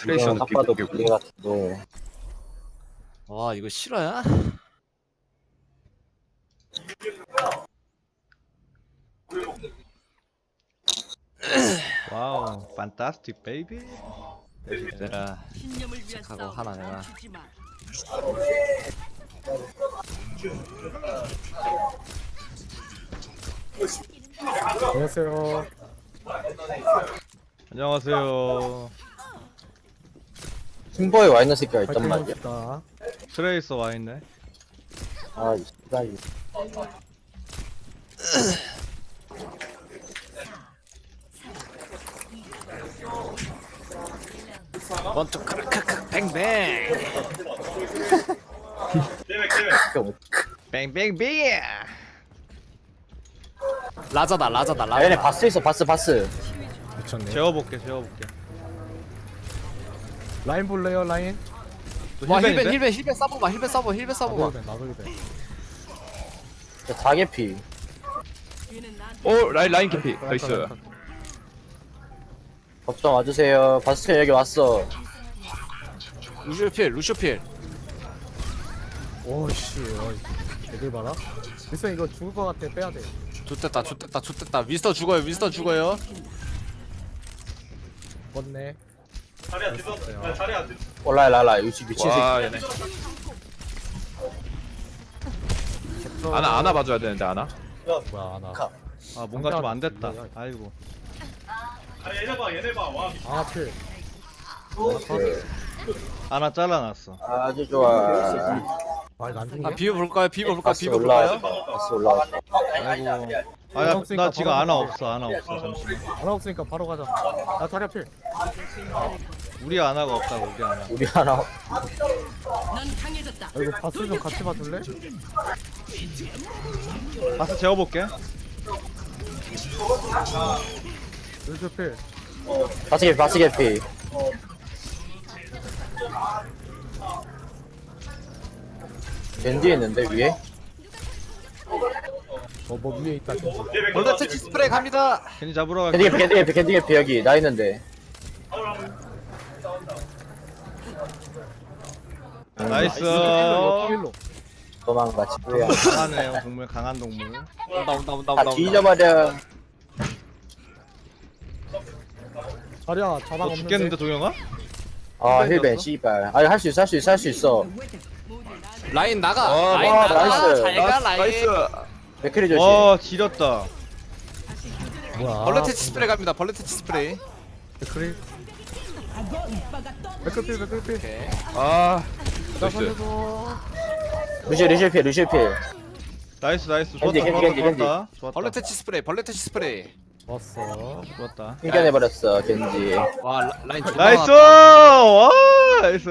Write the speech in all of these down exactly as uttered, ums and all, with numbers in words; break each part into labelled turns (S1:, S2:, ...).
S1: 트레이서는
S2: 딱 봐도
S1: 비공개고.
S2: 불리 같은데.
S3: 와 이거 실화야?
S4: 와우, 판타스틱 베이비.
S3: 내가
S5: 신념을 위한
S3: 하고
S5: 싸움
S3: 하나 내가.
S5: 멈추지 마.
S6: 안녕하세요.
S4: 안녕하세요.
S2: 팀버에 와 있는 새끼가 있단
S6: 파이팅
S2: 말이야.
S6: 해봅시다.
S4: 트레이서 와 있네.
S2: 아, 이 씨발.
S3: 원투 크크크 뱅뱅.
S4: 뱅뱅뱅.
S3: 라자다 라자다
S2: 아, 얘네
S3: 라자.
S2: 바스 있어, 바스, 바스.
S6: 미쳤네.
S4: 재워볼게, 재워볼게.
S6: 라인 볼래요, 라인?
S4: 또
S3: 와 힐벤
S4: 힐벤인데?
S3: 힐벤 힐벤 싸봐봐 힐벤 싸봐 힐벤 싸봐봐.
S6: 나돌배, 나돌배.
S2: 다개피.
S5: 뒤는 난
S1: 오 라인 라인 캐피. 나이스.
S2: 걱정 와주세요. 바스 여기 왔어.
S3: 루시오필 루시오필.
S6: 오씨, 어이. 애들 봐라. 미선 이거 죽을 것 같아, 빼야 돼.
S3: 좋됐다 좋됐다 좋됐다. 윈스터 죽어요 윈스터 죽어요.
S6: 뻗네.
S2: 올라야, 라라. 이 미친 새끼.
S1: 와 얘네. 아나 아나 봐줘야 되는데 아나.
S6: 뭐야, 나.
S4: 아, 뭔가 좀 안 됐다. 아이고.
S6: 아, 필.
S4: 하나 잘라놨어.
S2: 아주 좋아.
S6: 아, 이거 안 죽네.
S3: 아 비벼볼까요 비벼볼까
S2: 바스
S3: 비벼볼까요?
S2: 올라왔어. 바스 올라왔어.
S4: 아이고. 아, 나, 나 지금 하나 없어, 하나 없어. 잠시만.
S6: 하나 없으니까 바로 가자. 나 자리 필.
S4: 우리 하나가 없다고, 우리 하나.
S2: 우리 하나.
S5: 넌 강해졌다.
S6: 아, 이거 바스 좀 같이 봐줄래?
S4: 가서 재워볼게.
S6: 루즈 필.
S2: 바스 개피, 바스 개피. 겐지 있는데, 위에?
S6: 어, 뭐 위에 있다. 진짜.
S3: 벌레 채치 스프레이 갑니다.
S4: 괜히 잡으러
S2: 겐지
S4: 갈게.
S2: 개피, 겐지 개피, 겐지 개피, 여기. 나 있는데.
S4: 나이스.
S6: 일로, 일로.
S2: 도망가, 친구야.
S4: 강하네요, 동물, 강한 동물.
S3: 온다 온다 온다
S2: 다
S3: 온다.
S2: 뒤져버려.
S6: 자리야, 자방
S4: 너
S6: 없는데.
S4: 죽겠는데, 동영아?
S2: 아, 힐벤, 씨발. 아니, 할 수 있어, 할 수 있어, 할 수 있어.
S3: 라인 나가.
S1: 와,
S3: 라인
S2: 와,
S3: 나가.
S2: 나이스.
S3: 잘가 라인.
S1: 나이스.
S2: 맥크리 조심.
S4: 와, 지렸다.
S6: 뭐야.
S3: 벌레 채치 스프레이 갑니다. 벌레 채치 스프레이.
S6: 맥크리. 맥크리, 맥크리.
S3: 오케이.
S1: 아
S6: 나
S1: 나이스.
S6: 살려줘.
S2: 루시, 루시 필, 루시 필.
S4: 나이스, 나이스. 좋았다,
S2: 겐지,
S4: 좋았다,
S2: 겐지, 겐지.
S4: 좋았다. 좋았다.
S3: 벌레 채치 스프레이 벌레 채치 스프레이.
S6: 왔어.
S4: 좋았다.
S2: 튕겨내버렸어, 겐지.
S3: 와 라- 라인 존나
S4: 나이스!
S3: 많았다.
S4: 와, 나이스.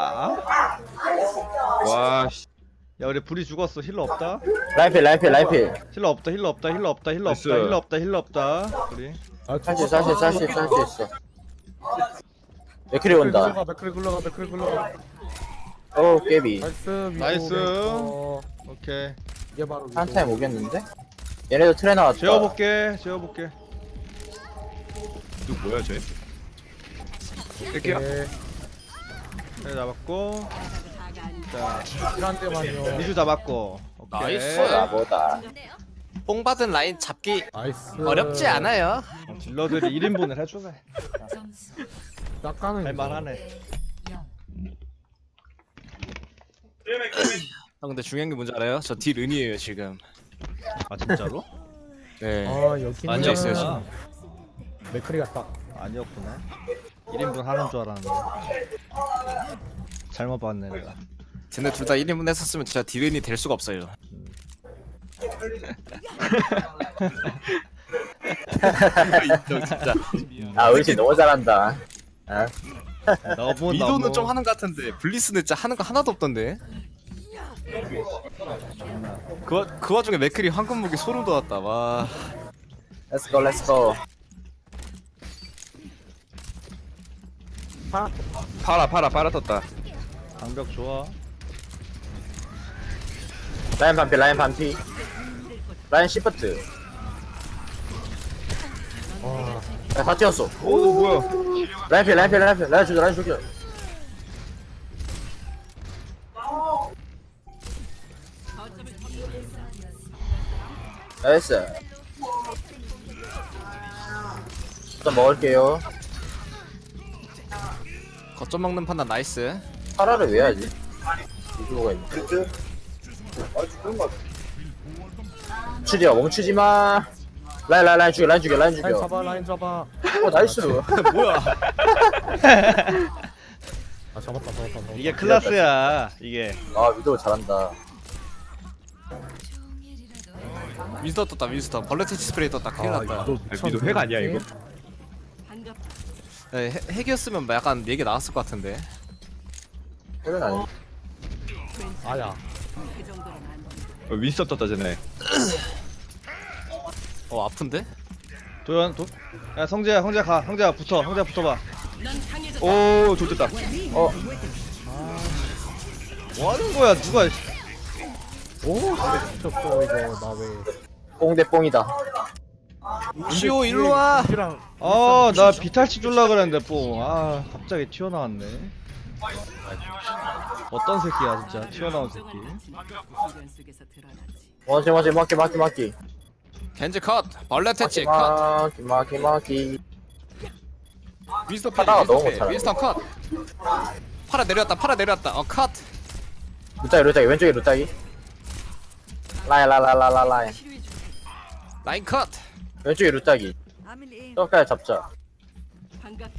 S1: 와 씨.
S4: 야, 우리 불이 죽었어. 힐러 없다.
S2: 라인필, 라인필, 라인필.
S4: 힐러 없다. 힐러 없다. 힐러 없다. 힐러
S1: 나이스.
S4: 없다. 힐러 없다. 힐러 없다. 우리.
S6: 아,
S2: 할 수 있어, 할 수 있어, 할 수 있어, 할 수 있어. 맥크리 온다.
S6: 굴러가, 맥크리 굴러가, 맥크리 굴러가.
S2: 오, 깨비.
S6: 나이스, 위로
S4: 나이스.
S6: 어,
S4: 오케이.
S6: 이게 바로 위로.
S2: 한 타임 오겠는데? 얘네도 트레 나왔다.
S4: 재워볼게. 재워볼게.
S1: 이거 뭐야 쟤? 뺄게요.
S6: 네,
S4: 네, 잡았고. 자,
S6: 한 대만요.
S4: 미주 잡았고. 오케이.
S3: 나이스.
S2: 나보다.
S3: 뽕 받은 라인 잡기
S6: 나이스.
S3: 어렵지 않아요.
S4: 딜러들이 일 인분을 해주네.
S6: 낚아는
S4: 할만하네.
S3: 형 근데 중요한 게 뭔지 알아요? 저 딜 은이에요 지금.
S4: 아, 진짜로?
S3: 네.
S6: 아, 여기
S3: 앉아 있어요, 지금.
S6: 맥크리가 딱.
S4: 아니었구나. 일 인분 하는 줄 알았는데. 잘못 봤네, 내가.
S3: 쟤네 둘 다 일 인분 했었으면 진짜 딜 은이 될 수가 없어요. 인정 진짜.
S2: 아, 우리 팀 너무 잘한다. 아,
S4: 너무
S3: 미도는
S4: 너무
S3: 좀 하는 것 같은데 블리스는 진짜 하는 거 하나도 없던데. 그, 와- 그 와중에 맥클이 황금 무기 소름 돋았다. 와.
S2: let's go, let's go.
S1: 팔아 팔아 팔아 떴다.
S4: 방벽 좋아.
S2: 라인 반피, 라인 반피. 라인 시프트.
S6: 와,
S2: 야, 다 뛰었어.
S1: 오 뭐야?
S2: 라인 필, 라인 필, 라인 필, 라인 죽여, 라인 죽여. 나이스. 일단 먹을게요.
S3: 거점 먹는 판단 나이스.
S2: 파라를 왜 해야지? 이주호가 있네. 멈추지마, 멈추지마. 라인, 라인, 라인 죽여, 라인 죽여, 라인
S6: 라인
S2: 죽여.
S6: 잡아 라인 잡아.
S2: 어, 나이스.
S3: 뭐야?
S6: 아 잡았다 잡았다 잡았다.
S4: 이게 클라스야 이게.
S2: 아, 위도우 잘한다.
S3: 윈스터 떴다 윈스터. 벌레 퇴치 스프레이 떴다. 큰일
S6: 아
S3: 났다.
S6: 이거
S1: 아, 미도 핵 아니야 이거?
S5: 반갑다.
S3: 네, 핵- 핵이었으면 뭐 약간 얘기 나왔을 것 같은데.
S2: 그건 아니.
S6: 아야.
S5: 그 정도는 안 돼.
S1: 어, 윈스턴 떴다 쟤네.
S3: 어 아픈데?
S4: 도현 도. 야 성재야 성재 가 성재야 붙어 성재 붙어봐.
S5: 넌 강해졌다.
S1: 오 좋됐다.
S2: 어,
S4: 뭐 하는 거야 누가?
S6: 오 미쳤어 이거 나 왜?
S2: 뽕대 뽕이다.
S3: 시오 일로 와.
S6: 랑
S4: 아나 비탈치 줄라 그랬는데 뽕아 갑자기 튀어나왔네. 어떤 새끼야 진짜 튀어나온 새끼.
S5: 미련 속에서 드러나지.
S2: 맞지, 맞지, 맞기, 맞기, 맞기.
S3: 겐지 컷. 벌레 퇴치 컷.
S2: 맞기, 맞기, 맞기.
S3: 윈스터 필.
S2: 하다가
S3: 윈스터
S2: 너무
S3: 필.
S2: 못하네.
S3: 윈스터 컷. 팔아 내렸다. 팔아 내렸다. 어 컷.
S2: 루따기, 루따기, 왼쪽에 루따기. 라인, 라인, 라인, 라인, 라인.
S5: 치료해줄게.
S3: 라인 컷.
S2: 왼쪽에 루따기.
S5: 아밀리
S2: 저까지 잡자.
S5: 반갑군.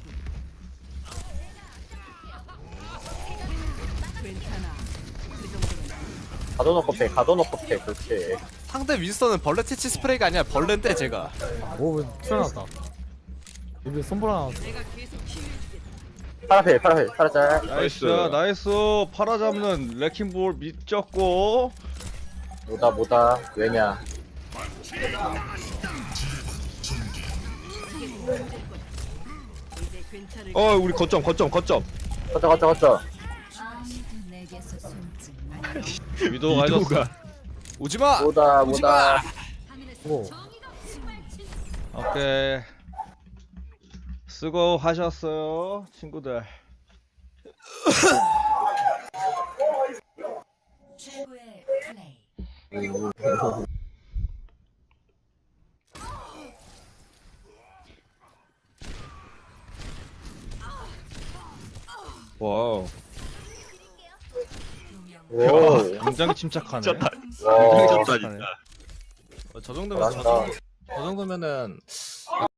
S5: 괜찮아. 그 정도는 안 돼.
S2: 가둬놓고 패, 가둬놓고 패, 그렇지.
S3: 상대 윈스터는 벌레 퇴치 스프레이가 아니라 벌레인데 제가.
S6: 오왜 튀어나왔다. 여기 손보라
S5: 내가 계속 치유해주겠다.
S2: 파라 패, 파라 패, 파라 짤.
S4: 나이스
S1: 나이스.
S4: 나이스 팔아 잡는 레킹볼 미쳤고.
S2: 뭐다, 뭐다. 왜냐.
S5: 이제 괜찮을
S1: 어 우리 거점 거점 거점.
S2: 걷자, 걷자, 걷자.
S4: 위도가 해줬어.
S1: 이도가.
S3: 오지마.
S2: 뭐다,
S3: 오지마.
S2: 뭐다.
S6: 고.
S4: 오케이. 수고 하셨어요 친구들.
S7: 최고의 플레이.
S1: 와우.
S2: 오,
S4: 굉장히 침착하네.
S2: 와,
S4: 침착하네.
S3: 어, 저 정도면
S2: 잘한다.
S3: 저 정도면은